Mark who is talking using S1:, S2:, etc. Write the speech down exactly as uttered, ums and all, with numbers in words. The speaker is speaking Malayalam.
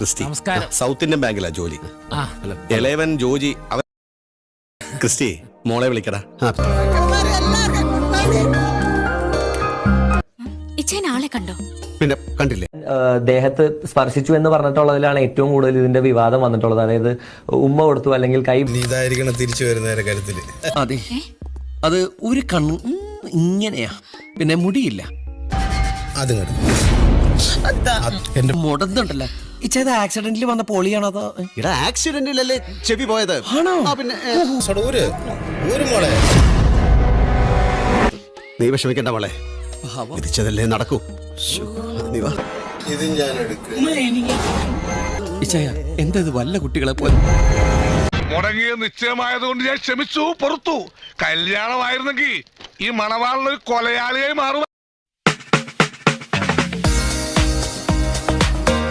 S1: ക്രിസ്റ്റി. സൗത്ത് ഇന്ത്യൻ ബാങ്കിലാ ജോലി. ഇളയവൻ ജോജി. അവൻ ക്രിസ്റ്റി മോളെ വിളിക്കടാ.
S2: ആളെ കണ്ടോ?
S1: പിന്നെ കണ്ടില്ലേ?
S3: ദേഹത്ത് സ്പർശിച്ചു എന്ന് പറഞ്ഞിട്ടുള്ളതിലാണ് ഏറ്റവും കൂടുതൽ ഇതിന്റെ വിവാദം വന്നിട്ടുള്ളത്. അതായത് ഉമ്മ കൊടുത്തു അല്ലെങ്കിൽ കൈ
S4: ഇതായിരിക്കണം തിരിച്ചു വരുന്നവരെ കരുത്തില്.
S5: അതെ, അത് ഒരു കണ്ണ് ഇങ്ങനെയാ, പിന്നെ മുടിയില്ല.
S4: അത്
S5: എന്റെ മുടന്നുണ്ടല്ലോ. ഇച്ചത് ആക്സിഡന്റിൽ വന്ന പൊളിയാണോ അതോ?
S1: ഇടാ ആക്സിഡന്റിലല്ലേ ചെവി പോയത്.
S5: ആണോ?
S1: പിന്നെ
S4: ഒരു മോളെ
S1: നീ വിഷമിക്കണ്ട മോളെ, വിധിച്ചതല്ലേ നടക്കൂ.
S4: ഇത് ഞാൻ എടുക്കും.
S5: എന്താ ഇത് വല്ല കുട്ടികളെ പോലെ?
S6: മുടങ്ങിയ നിശ്ചയമായതുകൊണ്ട് ഞാൻ ക്ഷമിച്ചു, പുറത്തു. കല്യാണമായിരുന്നെങ്കിൽ ഈ മണവാളിനൊരു കൊലയാളിയായി മാറും.